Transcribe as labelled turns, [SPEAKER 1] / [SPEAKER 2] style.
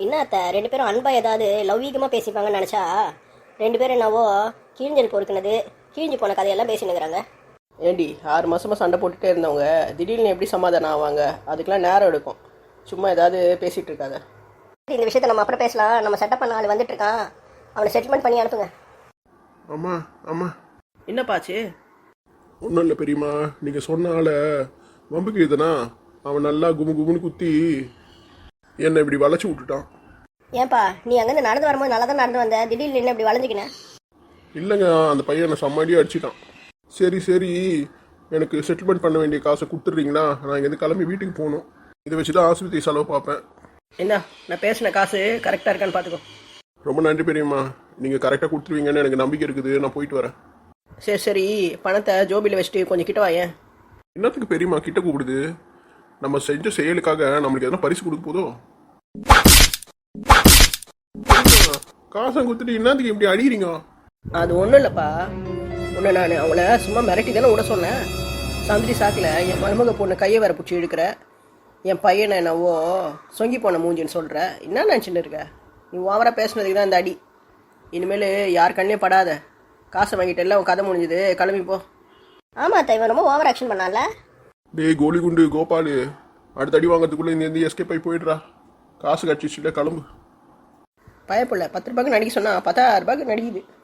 [SPEAKER 1] என்ன அத்தை ரெண்டு பேரும் அன்பா ஏதாவது லௌகீகமாக பேசிப்பாங்கன்னு நினச்சா ரெண்டு பேரும் என்னவோ கிழிஞ்சல் பொறுக்குனது கிழிஞ்சு போன கதையெல்லாம் பேசினுங்கிறாங்க.
[SPEAKER 2] ஏண்டி 6 மாதமாக சண்டை போட்டுகிட்டே இருந்தவங்க திடீர்னு எப்படி சமாதானம் ஆவாங்க? அதுக்கெலாம் நேரம் எடுக்கும். சும்மா ஏதாவது பேசிகிட்டு இருக்காங்க.
[SPEAKER 1] இந்த விஷயத்தை நம்ம அப்புறம் பேசலாம். நம்ம செட்டப் பண்ண ஆள் வந்துட்டு இருக்கான், அவனை செட்டில்மெண்ட் பண்ணி அனுப்புங்க.
[SPEAKER 3] அம்மா அம்மா
[SPEAKER 2] என்னப்பாச்சு?
[SPEAKER 3] ஒன்றும் இல்லை பெரியம்மா, நீங்கள் சொன்னால வம்புக்கு இதுனா அவன் நல்லா குமுன்னு குத்தி என்னை இப்படி வளைச்சி விட்டுட்டான்.
[SPEAKER 1] ஏன்பா நீ அங்கேருந்து நடந்து வரும்போது நல்லா தான் நடந்து வந்த, திடீர்னு என்ன இப்படி வளைஞ்சிக்கின?
[SPEAKER 3] இல்லைங்க, அந்த பையன் என்னை செம்மடியாக அடிச்சிட்டான். சரி எனக்கு செட்டில்மெண்ட் பண்ண வேண்டிய காசை கொடுத்துட்றீங்களா? நான் இங்கேருந்து கிளம்பி வீட்டுக்கு போகணும். இதை வச்சு தான் ஆஸ்பத்திரி செலவு பார்ப்பேன்.
[SPEAKER 2] என்ன நான் பேசின காசு கரெக்டாக இருக்கான்னு பார்த்துக்கோ.
[SPEAKER 3] ரொம்ப நன்றி பெரியம்மா, நீங்கள் கரெக்டாக கொடுத்துருவீங்கன்னு எனக்கு நம்பிக்கை இருக்குது. நான் போயிட்டு வரேன்.
[SPEAKER 2] சரி பணத்தை ஜோபியில் வச்சுட்டு கொஞ்சம் கிட்ட வாயேன்.
[SPEAKER 3] என்னத்துக்கு பெரியம்மா கிட்ட கூப்பிடுது? நம்ம செஞ்ச செயலுக்காக நம்மளுக்கு எதனா பரிசு கொடுக்க போதோ? காசை கொடுத்துட்டு என்னத்துக்கு இப்படி அடிக்கிறீங்க?
[SPEAKER 2] அது ஒன்றும் இல்லைப்பா, ஒன்று நான் அவங்கள சும்மா மிரட்டி தானே விட சொன்னேன். சந்திரி சாக்கில் என் மருமக பொண்ணு கையை வேற பிடிச்சி இழுக்கிற, என் பையனை என்னவோ சொங்கி போன மூஞ்சின்னு சொல்கிற. என்ன நினச்சின்னு இருக்க? நீ ஓவராக பேசுனதுக்கு தான் இந்த அடி. இனிமேல் யார் கண்ணையும் படாத. காசை வாங்கிட்டு எல்லாம் கதை முடிஞ்சுது, கிளம்பிப்போ.
[SPEAKER 1] ஆமாம் அத்தை, இவன் ரொம்ப ஓவர் ஆக்ஷன் பண்ணால.
[SPEAKER 3] டேய் கோலி குண்டு கோபாலு, அடுத்த அடி வாங்கிறதுக்குள்ளே இந்த எஸ்கேப் ஆகி போயிடுறா. காசு கட்சிச்சுல கிளம்பு.
[SPEAKER 2] பயப்பில்ல, 10 ரூபாய்க்கு நடிக்க சொன்னால் 10,000 ரூபாய்க்கு நடிக்குது.